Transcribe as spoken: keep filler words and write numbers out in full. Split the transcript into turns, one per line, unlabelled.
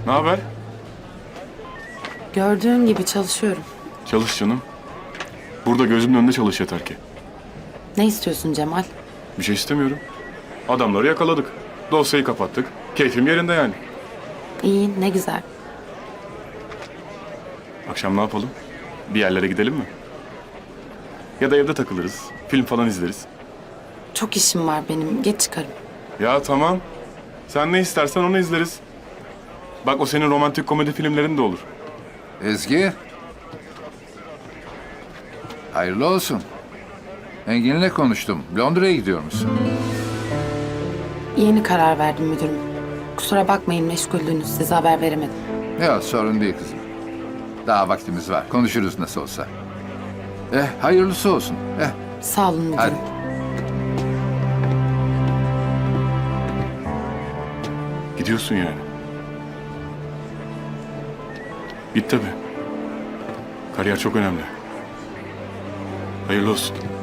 Ne haber?
Gördüğün gibi çalışıyorum.
Çalış canım. Burada gözümün önünde çalış yeter ki.
Ne istiyorsun Cemal?
Bir şey istemiyorum. Adamları yakaladık. Dosyayı kapattık. Keyfim yerinde yani.
İyi, ne güzel.
Akşam ne yapalım? Bir yerlere gidelim mi? Ya da evde takılırız. Film falan izleriz.
Çok işim var benim. Geç çıkarım.
Ya tamam. Sen ne istersen onu izleriz. Bak o senin romantik komedi filmlerin de olur.
Ezgi. Hayırlı olsun. Engin'le konuştum. Londra'ya gidiyor musun?
Yeni karar verdim müdürüm. Kusura bakmayın meşguldünüz. Size haber veremedim.
Ya sorun değil kızım. Daha vaktimiz var. Konuşuruz nasıl olsa. Eh hayırlısı olsun. Eh
Sağ olun müdürüm.
hadi.
Gidiyorsun yani. Git tabii. Kariyer çok önemli. Hayırlı olsun.